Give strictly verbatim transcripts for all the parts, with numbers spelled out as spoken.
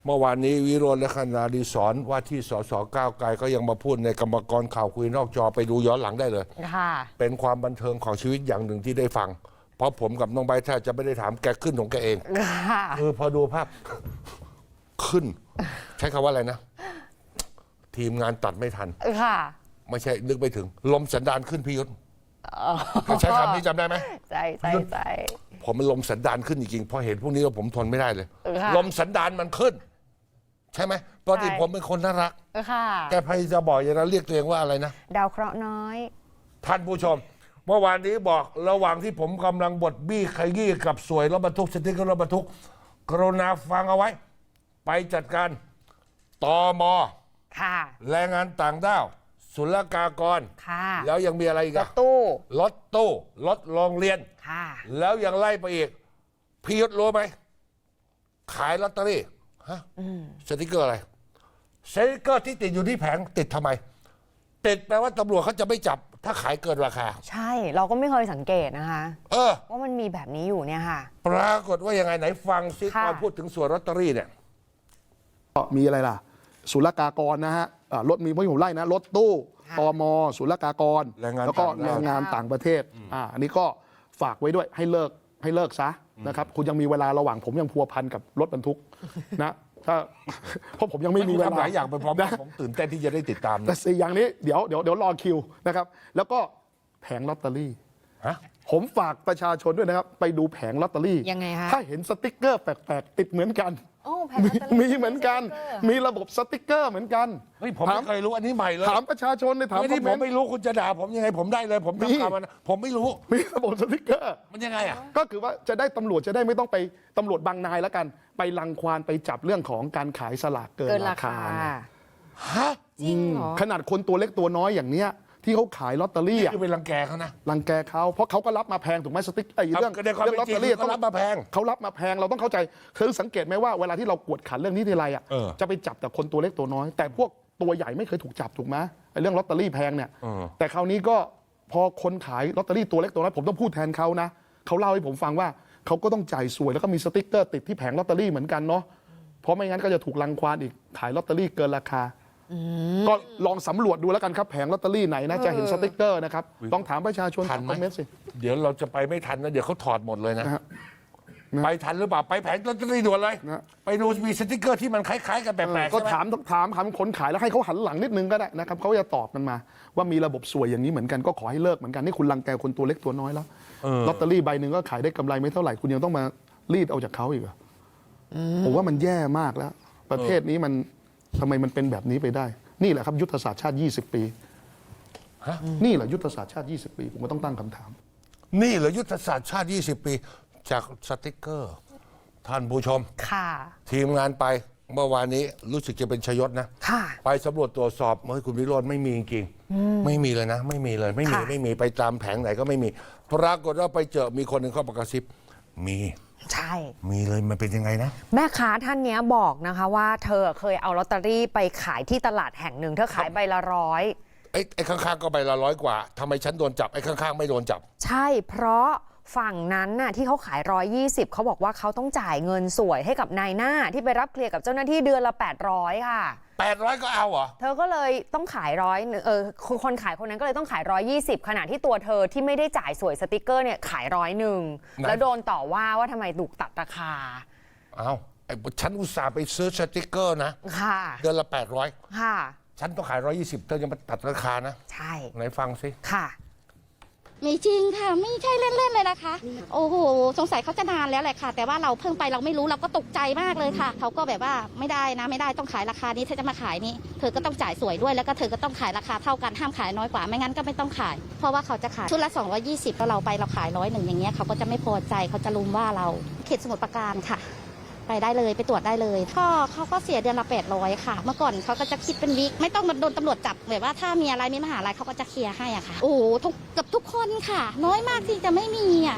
เมื่อวานนี้วิโรจน์และคณาดิศรว่าที่สสก้าวไกลก็ยังมาพูดในกรรมกรข่าวคุยนอกจอไปดูย้อนหลังได้เลยค่ะเป็นความบันเทิงของชีวิตอย่างหนึ่งที่ได้ฟังเพราะผมกับน้องใบร์ทแทบจะไม่ได้ถามแกขึ้นของแกเองคือพอดูภาพขึ้นใช้คำว่าอะไรนะทีมงานตัดไม่ทันค่ะไม่ใช่นึกไปถึงลมสันดานขึ้นพี่ยุทธใช้คำนี้จำได้ไหมใช่ใช่ใช่ผมมันลมสันดานขึ้นจริงๆพอเห็นพวกนี้แล้วผมทนไม่ได้เลยลมสันดานมันขึ้นใช่ไหมปกติผมเป็นคนน่ารักแกพยายามจะบอกอย่างนั้นเรียกตัวเองว่าอะไรนะดาวเคราะห์น้อยท่านผู้ชมเมื่อวานนี้บอกระหว่างที่ผมกำลังบดบี้ขยี้กับสวยรถบรรทุกสติ๊กเกอร์รถบรรทุกกรุณาฟังเอาไว้ไปจัดการตม.แรงงานต่างด้าวศุลกากรแล้วยังมีอะไรอีกรถตู้รถตู้รถโรงเรียนแล้วยังไล่ไปอีกพี่ยุทธรู้ไหมขายลอตเตอรี่ฮะสติ๊กเกอร์อะไรสติ๊กเกอร์ที่ติดอยู่ที่แผงติดทำไมติดแปลว่าตำรวจเขาจะไม่จับถ้าขายเกินราคาใช่เราก็ไม่เคยสังเกตนะคะเออว่ามันมีแบบนี้อยู่เนี่ยค่ะปรากฏว่ายังไงไหนฟังซิตอนพูดถึงส่วนลอตเตอรี่เนี่ยก็มีอะไรล่ะศุลกากรนะฮะรถมีไม่ผมไล่นะรถตู้ตม.ศุลกากรแล้วก็แรงงานต่างประเทศอ่าอันนี้ก็ฝากไว้ด้วยให้เลิกให้เลิกซะนะครับคุณยังมีเวลาระหว่างผมยังพัวพันกับรถบรรทุกนะถ้าเพราะผมยังไม่มีเวลาหลายอย่างไปพร้อมกันผมตื่นเต้นที่จะได้ติดตามแต่สี่อย่างนี้เดี๋ยวเดี๋ยวเดี๋ยวรอคิวนะครับแล้วก็แผงลอตเตอรี่ผมฝากประชาชนด้วยนะครับไปดูแผงลอตเตอรี่ยังไงฮะถ้าเห็นสติ๊กเกอร์แปลกๆติดเหมือนกันมีเหมือนกันมีระบบสติ๊กเกอร์เหมือนกันเฮ้ยผมไม่เคยรู้อันนี้ใหม่เลยถามประชาชนเลยถามที่ผมไม่รู้คุณจะด่าผมยังไงผมได้เลยผมทำข่าวมันผมไม่รู้มีระบบสติ๊กเกอร์มันยังไงอ่ะก็คือว่าจะได้ตำรวจจะได้ไม่ต้องไปตำรวจบางนายแล้วกันไปรังควานไปจับเรื่องของการขายสลากเกินราคาฮะจริงเหรอขนาดคนตัวเล็กตัวน้อยอย่างเนี้ยที่เขาขายลอตเตอรี่อ่ะคือเป็นรังแกเขานะรังแกเขาเพราะเขาก็รับมาแพงถูกไหมสติ๊กไอ้เรื่องเรื่องลอตเตอรี่ต้องรับมาแพงเขารับมาแพงเราต้องเข้าใจคือสังเกตไหมว่าเวลาที่เรากวดขันเรื่องนี้ทีไรอ่ะจะไปจับแต่คนตัวเล็กตัวน้อยแต่พวกตัวใหญ่ไม่เคยถูกจับถูกไหมไอ้เรื่องลอตเตอรี่แพงเนี่ยแต่คราวนี้ก็พอคนขายลอตเตอรี่ตัวเล็กตัวน้อยผมต้องพูดแทนเขานะเขาเล่าให้ผมฟังว่าเขาก็ต้องจ่ายสวยแล้วก็มีสติ๊กเกอร์ติดที่แผงลอตเตอรี่เหมือนกันเนาะเพราะไม่งั้นก็จะถูกรังควานอีกขายลอตเตอรี่เกินราคาก็ลองสำรวจดูแล้วกันครับแผงลอตเตอรี่ไหนนะจะเห็นสติ๊กเกอร์นะครับต้องถามประชาชนทันไหมสิเดี๋ยวเราจะไปไม่ทันนะเดี๋ยวเขาถอดหมดเลยนะไปทันหรือเปล่าไปแผงลอตเตอรี่ด่วนเลยไปดูมีสติ๊กเกอร์ที่มันคล้ายๆกันแปลกๆก็ถามถามถามคนขายแล้วให้เขาหันหลังนิดนึงก็ได้นะครับเขาจะตอบมันมาว่ามีระบบสวยอย่างนี้เหมือนกันก็ขอให้เลิกเหมือนกันนี่คุณรังแกคนตัวเล็กตัวน้อยแล้วลอตเตอรี่ใบหนึ่งก็ขายได้กำไรไม่เท่าไหร่คุณยังต้องมารีดเอาจากเขาอีกผมว่ามันแย่มากแล้วประเทศนี้มันทำไมมันเป็นแบบนี้ไปได้นี่แหละครับยุทธศาสตร์ชาติยี่สิบปีนี่แหละยุทธศาสตร์ชาติยี่สิบปีผมก็ต้องตั้งคำถามนี่แหละยุทธศาสตร์ชาติยี่สิบปีจากสติ๊กเกอร์ท่านผู้ชมค่ะทีมงานไปเมื่อวานนี้รู้สึกจะเป็นชยศนะไปสำรวจตรวจสอบเมื่อคุณวิโรจน์ไม่มีจริงไม่มีเลยนะไม่มีเลยไม่มีไม่มีไปตามแผงไหนก็ไม่มีปรากฏว่าไปเจอมีคนหนึ่งเข้ามากระซิบมีใช่มีเลยมันเป็นยังไงนะแม่ค้าท่านนี้บอกนะคะว่าเธอเคยเอาลอตเตอรี่ไปขายที่ตลาดแห่งหนึ่งเธอขายใบละร้อยไอ้ไอ้ข้างๆก็ใบละร้อยกว่าทำไมฉันโดนจับไอ้ข้างๆไม่โดนจับใช่เพราะฝั่งนั้นน่ะที่เขาขายร้อยยี่สิบเขาบอกว่าเขาต้องจ่ายเงินสวยให้กับนายหน้าที่ไปรับเคลียร์กับเจ้าหน้าที่เดือนละแปดร้อยค่ะแปดร้อยก็เอาเหรอเธอก็เลยต้องขายร้อยเออคนขายคนนั้นก็เลยต้องขายร้อยยี่สิบขณะที่ตัวเธอที่ไม่ได้จ่ายสวยสติกเกอร์เนี่ยขายร้อยหนึ่งแล้วโดนต่อว่าว่าทำไมถูกตัดราคาเอาไอ้ฉันอุตส่าห์ไปซื้อสติกเกอร์นะค่ะเดือนละแปดร้อยค่ะฉันต้องขายร้อยยี่สิบเธอจะมาตัดราคานะใช่ไหนฟังสิค่ะมีจริงค่ะไม่ใช่เล่นๆเลยนะคะโอ้โหสงสัยเขาจะนานแล้วแหละค่ะแต่ว่าเราเพิ่งไปเราไม่รู้เราก็ตกใจมากเลยค่ะเขาก็แบบว่าไม่ได้นะไม่ได้ต้องขายราคานี้เธอจะมาขายนี้เธอก็ต้องจ่ายสวยด้วยแล้วก็เธอก็ต้องขายราคาเท่ากันห้ามขายน้อยกว่าไม่งั้นก็ไม่ต้องขายเพราะว่าเขาจะขายชุดละสองร้อยยี่สิบแล้วเราไปเราขายร้อยหนึ่งอย่างเงี้ยเขาก็จะไม่พอใจเขาจะรุมว่าเราเขตสมุทรปราการค่ะไปได้เลยไปตรวจได้เลยก็เขาก็เสียเดือนละแปดร้อยค่ะเมื่อก่อนเขาก็จะคิดเป็นวิกไม่ต้องมาโดนตำรวจจับแบบว่าถ้ามีอะไรมีมหาอะไรเขาก็จะเคลียร์ให้อ่ะค่ะโอ้โหทุกกับทุกคนค่ะน้อยมากที่จะไม่มีอ่ะ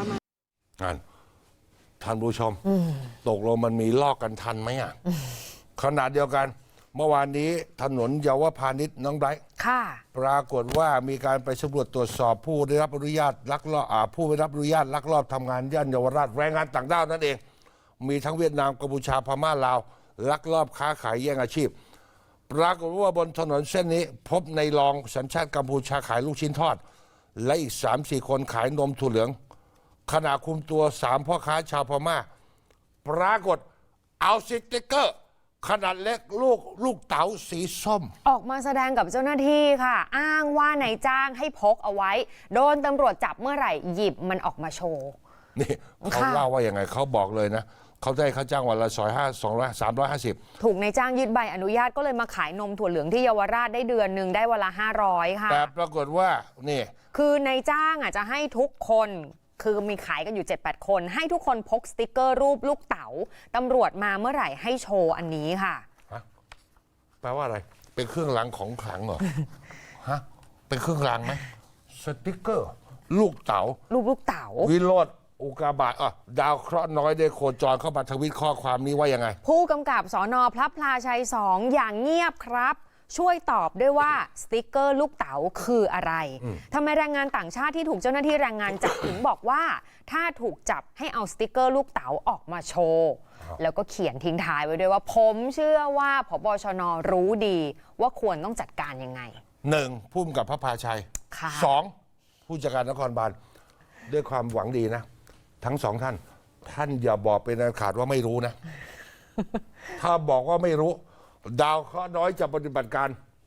ท่านผู้ชมตกลงมันมีลอกกันทันไหมอ่ะขนาดเดียวกันเมื่อวานนี้ถนนเยาวพาณิชย์น้องไบรท์ปรากฏว่ามีการไปสำรวจตรวจสอบผู้ได้รับอนุญาตลักลอบผู้ได้รับอนุญาตลักลอบทำงานย่านเยาวราชแรงงานต่างด้าวนั่นเองมีทั้งเวียดนามกัมพูชาพม่าลาวลักลอบค้าขายแย่งอาชีพ ปรากฏว่าบนถนนเส้นนี้พบในรองสัญชาติกัมพูชาขายลูกชิ้นทอด และอีก สามสี่ คนขายนมถั่วเหลือง ขณะคุมตัวสามพ่อค้าชาวพม่า ปรากฏเอาสติ๊กเกอร์ ขนาดเล็กลูกลูกเต๋าสีส้มออกมาแสดงกับเจ้าหน้าที่ค่ะ อ้างว่านายจ้างให้พกเอาไว้ โดนตำรวจจับเมื่อไหร่หยิบมันออกมาโชว์นี่เขาเล่าว่าอย่างไงเขาบอกเลยนะเขาได้ค่าจ้างวันละสอยห้าสองร้อยสามร้อยห้าสิบถูกนายจ้างยึดใบอนุญาตก็เลยมาขายนมถั่วเหลืองที่เยาวราชได้เดือนหนึ่งได้วันละห้าร้อยค่ะแต่ปรากฏว่านี่คือนายจ้างอ่ะจะให้ทุกคนคือมีขายกันอยู่ เจ็ดแปด คน ให้ทุกคนพกสติกเกอร์รูปลูกเต๋าตำรวจมาเมื่อไหร่ให้โชว์อันนี้ค่ะแปลว่าอะไร เป็นเครื่องรางของขลังเหรอ ฮะ เป็นเครื่องรางไหมสติกเกอร์ ลูกเต๋ารูปลูกเต๋าวิโรธอุกาบาตอ่ะดาวเคราะห์น้อยได้โคจรเข้ามาทวิตข้อความนี้ว่ายังไงผู้กำกับสนพระพลาชัยสองอย่างเงียบครับ ช่วยตอบด้วยว่าสติกเกอร์ลูกเต๋าคืออะไรทำไมแรงงานต่างชาติที่ถูกเจ้าหน้าที่แรงงานจับ ถึงบอกว่าถ้าถูกจับให้เอาสติกเกอร์ลูกเต๋าออกมาโชว์แล้วก็เขียนทิ้งท้ายไว้ด้วยว่าผมเชื่อว่าผบชนรู้ดีว่าควรต้องจัดการยังไงหนึ่งผู้กำกับพระพาชัยค่ะสองผู้จัดการนครบาลด้วยความหวังดีนะ ทั้งสองท่าน ท่านอย่าบอกเป็นอันขาดว่าไม่รู้นะ ถ้าบอกว่าไม่รู้ ดาวเคราะห์น้อยจะปฏิบัติการ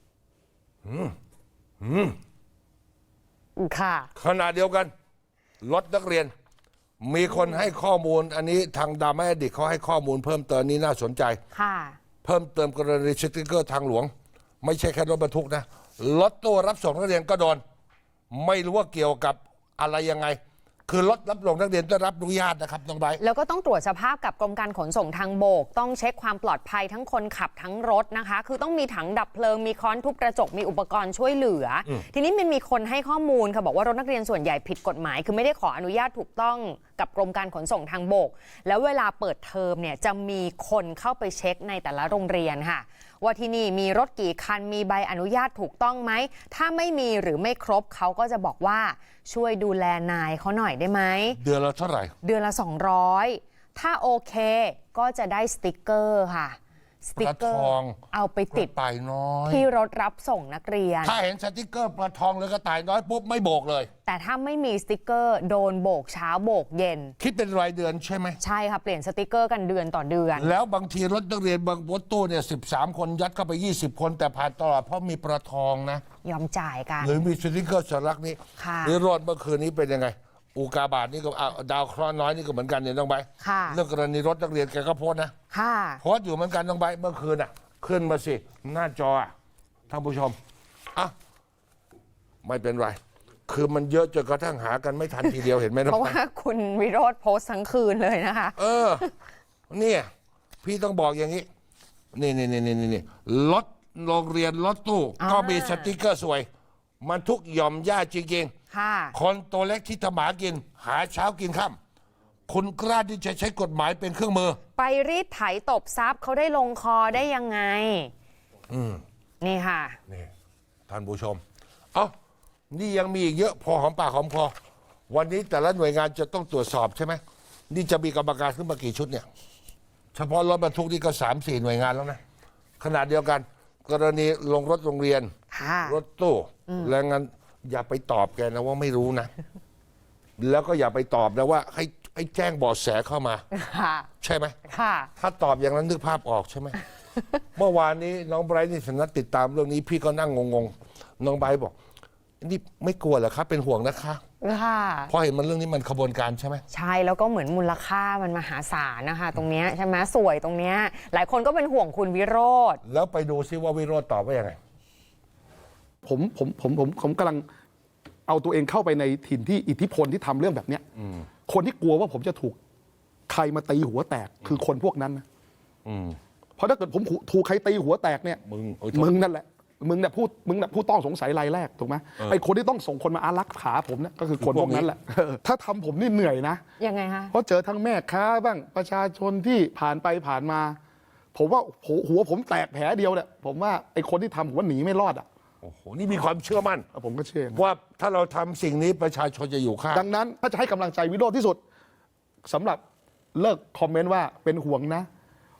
ค่ะขณะเดียวกันรถนักเรียน มีคนให้ข้อมูล อันนี้ทางดามาดิกเขาให้ข้อมูลเพิ่มเติมนี้น่าสนใจค่ะเพิ่มเติมกรณีสติ๊กเกอร์ทางหลวง ไม่ใช่แค่รถบรรทุกนะรถตู้รับส่งนักเรียนก็โดน ไม่รู้ว่าเกี่ยวกับอะไรยังไง คือรถรับส่งนักเรียนได้รับอนุญาตนะครับน้องไบร์ทแล้วก็ต้องตรวจสภาพกับกรมการขนส่งทางบก ต้องเช็คความปลอดภัยทั้งคนขับทั้งรถนะคะ คือต้องมีถังดับเพลิงมีค้อนทุบกระจกมีอุปกรณ์ช่วยเหลืออทีนี้มันมีคนให้ข้อมูลค่ะบอกว่ารถนักเรียนส่วนใหญ่ผิดกฎหมาย คือไม่ได้ขออนุญาตถูกต้องกับกรมการขนส่งทางบก แล้วเวลาเปิดเทอมเนี่ยจะมีคนเข้าไปเช็คในแต่ละโรงเรียนค่ะว่าที่นี่มีรถกี่คันมีใบอนุญาตถูกต้องไหมถ้าไม่มีหรือไม่ครบเขาก็จะบอกว่าช่วยดูแลนายเขาหน่อยได้ไหมเดือนละเท่าไหร่เดือนละสองร้อยถ้าโอเคก็จะได้สติกเกอร์ค่ะสติกเกอร์ปลาทองเอาไปติดกระต่ายน้อยที่รถรับส่งนักเรียนถ้าเห็นสติ๊กเกอร์ปลาทองหรือกระต่ายน้อยปุ๊บไม่โบกเลยแต่ถ้าไม่มีสติกเกอร์โดนโบกเช้าโบกเย็นคิดเป็นรายเดือนใช่ไหมใช่ค่ะเปลี่ยนสติกเกอร์กันเดือนต่อเดือนแล้วบางทีรถนักเรียนบางรถตู้เนี่ยสิบสามคนยัดเข้าไปยี่สิบคนแต่ผ่านตลอดเพราะมีปลาทองนะยอมจ่ายกันหรือมีสติ๊กเกอร์สัญลักษณ์นี้ค่ะหรือรถเมื่อคืนนี้เป็นยังไง อุกาบาตนี่ก็อ่ะดาวเคราะห์น้อยนี่ก็เหมือนกันเนี่ยน้องใบค่ะเรื่องกรณีรถนักเรียนแกก็โพสต์นะค่ะโพสต์อยู่เหมือนกันน้องใบเมื่อคืนอ่ะ ขึ้นมาสิ หน้าจออ่ะท่านผู้ชมอ่ะไม่เป็นไร คือมันเยอะจนกระทั่งหากันไม่ทันทีเดียวเห็นไหมน้องเพราะใบว่าคุณวิโรธโพสต์ทั้งคืนเลยนะคะเออ เนี่ยพี่ต้องบอกอย่างนี้ นี่นี่นี่นี่นี่รถโรงเรียนรถตู้อ่าก็มีสติกเกอร์สวย มันทุกหย่อมย่าจริงค่ะๆ คนตัวเล็กที่ทำหมากิน หาเช้ากินค่ำคุณกล้าที่จะใช้กฎหมายเป็นเครื่องมือไปรีดไถตบทรัพย์เขาได้ลงคอได้ยังไงอืมนี่ค่ะนี่ท่านผู้ชม เอ้า นี่ยังมีอีกเยอะพอหอมปากหอมคอ วันนี้แต่ละหน่วยงานจะต้องตรวจสอบใช่ไหม นี่จะมีกรรมการขึ้นมากี่ชุดเนี่ย เฉพาะรถบรรทุกนี่ก็สามสี่หน่วยงานแล้วนะ ขณะเดียวกัน กรณีลงรถโรงเรียนค่ะรถตู้แรงงานอย่าไปตอบแกนะว่าไม่รู้นะ แล้วก็อย่าไปตอบนะว่าให้ให้แจ้งเบาะแสเข้ามาค่ะใช่ไหมค่ะถ้าตอบอย่างนั้นนึกภาพออกใช่ไหม เมื่อวานนี้น้องไบรท์นี่สนัดติดตามเรื่องนี้พี่ก็นั่งงงๆ น้องไบรท์บอก นี่ไม่กลัวเหรอครับ เป็นห่วงนะคะค่ะเพราะเห็นมันเรื่องนี้มันขบวนการใช่ไหมใช่แล้วก็เหมือนมูลค่ามันมหาศาลนะคะ ตรงเนี้ยใช่ไหมสวยตรงเนี้ยหลายคนก็เป็นห่วงคุณวิโรธแล้วไปดูซิว่าวิโรจน์ตอบว่ายังไงผมผมผมผมผมกำลังเอาตัวเองเข้าไปในถิ่นที่อิทธิพลที่ทำเรื่องแบบเนี้ยคนที่กลัวว่าผมจะถูกใครมาตีหัวแตกคือคนพวกนั้นนะอืมเพราะถ้าเกิดผมถูกใครตีหัวแตกเนี่ยมึงเอ้ยมึงนั่นแหละมึงเนี่ยพูดมึงเนี่ยผู้ต้องสงสัยรายแรกถูกไหมไอ้คนที่ต้องส่งคนมาอารักขาผมเนี่ยก็คือคนพวกนั้นแหละเออถ้าทำผมนี่เหนื่อยนะยังไงคะเพราะเจอทั้งแม่ค้าบ้างประชาชนที่ผ่านไปผ่านมา ผมว่าหัวหัวผมแตกแผลเดียวเนี่ยผมว่าไอ้คนที่ทำผมว่าหนีไม่รอดอ่ะโอ้โห นี่มีความเชื่อมั่นผมก็เชื่อนะว่าถ้าเราทำสิ่งนี้ประชาชนจะอยู่ข้างดังนั้นถ้าจะให้กำลังใจวิโรจน์ที่สุดสำหรับเลิกคอมเมนต์ว่าเป็นห่วงนะ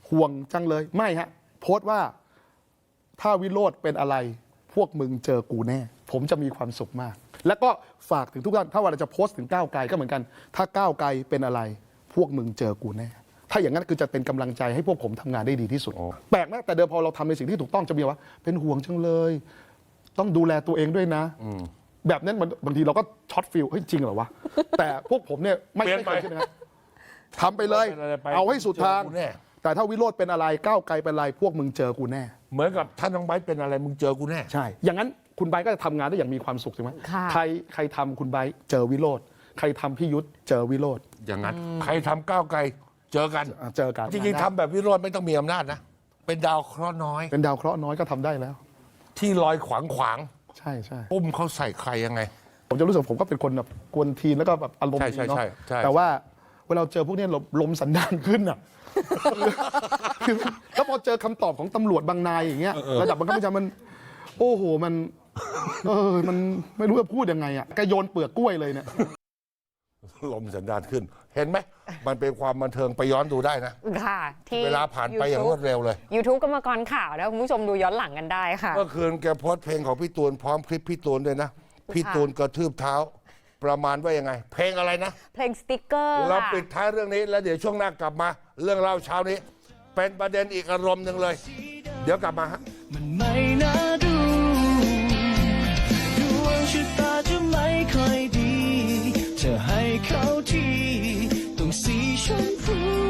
ห่วงจังเลยไม่ฮะโพสต์ว่าถ้าวิโรจน์เป็นอะไรพวกมึงเจอกูแน่ ผมจะมีความสุขมาก แล้วก็ฝากถึงทุกท่านถ้าวันเราจะโพสต์ถึงก้าวไกลก็เหมือนกัน ถ้าก้าวไกลเป็นอะไรพวกมึงเจอกูแน่ ถ้าอย่างนั้นคือจะเป็นกำลังใจให้พวกผมทำงานได้ดีที่สุดแปลกนะแต่เดิมพอเราทำในสิ่งที่ถูกต้องจะมีว่าเป็นห่วงจังเลย ต้องดูแลตัวเองด้วยนะแบบนั้นมันบางทีเราก็ช็อตฟิลเฮ้ยจริงเหรอวะแต่พวกผมเนี่ยไม่ไม่เคยคิดนะครับทำไปเลย เอาให้สุดทางแต่ถ้าวิโรจน์เป็นอะไรก้าวไกลเป็นอะไรพวกมึงเจอกูแน่เหมือนกับท่านน้องไบร์ทเป็นอะไรมึงเจอกูแน่ใช่อย่างนั้นคุณไบร์ทก็จะทำงานได้อย่างมีความสุขใช่ไหมใครใครทำคุณไบร์ทเจอวิโรจน์ใครทำพี่ยุทธเจอวิโรจน์อย่างนั้นใครทำก้าวไกลเจอกันเจอกันจริงๆทำแบบวิโรจน์ไม่ต้องมีอำนาจนะเป็นดาวเคราะห์น้อยเป็นดาวเคราะห์น้อยก็ทำได้แล้วที่ลอยขวางขวางใช่ใช่ปุ้มเขาใส่ใครยังไงผมจะรู้สึกผมก็เป็นคนแบบกวนทีนแล้วก็แบบอารมณ์ดีเนาะแต่ว่าเวลาเจอพวกนี้ลมสันดานขึ้นอ่ะแล้วพอเจอคำตอบของตำรวจบางนายอย่างเงี้ยระดับบังคับบัญชามันโอ้โหมันเออมันไม่รู้จะพูดยังไงอ่ะแกโยนเปลือกกล้วยเลยเนี่ยลมสันดานขึ้นเห็นไหมมันเป็นความบันเทิงไปย้อนดูได้นะค่ะที่เวลาผ่านไปอย่างรวดเร็วเลย YouTube กรรมกรข่าวแล้วคุณผู้ชมดูย้อนหลังกันได้ค่ะเมื่อคืนแกโพสต์เพลงของพี่ตูนพร้อมคลิปพี่ตูนด้วยนะพี่ตูนกระทืบเท้าประมาณว่ายังไงเพลงอะไรนะเพลงสติ๊กเกอร์เราปิดท้ายเรื่องนี้แล้วเดี๋ยวช่วงหน้ากลับมาเรื่องเล่าเช้านี้เป็นประเด็นอีกอารมณ์หนึ่งเลยเดี๋ยวกลับมาฮะมันไม่น่าดูดวงชะตาจะไม่ค่อยดีจะให้เขาทีต้องสีชมพู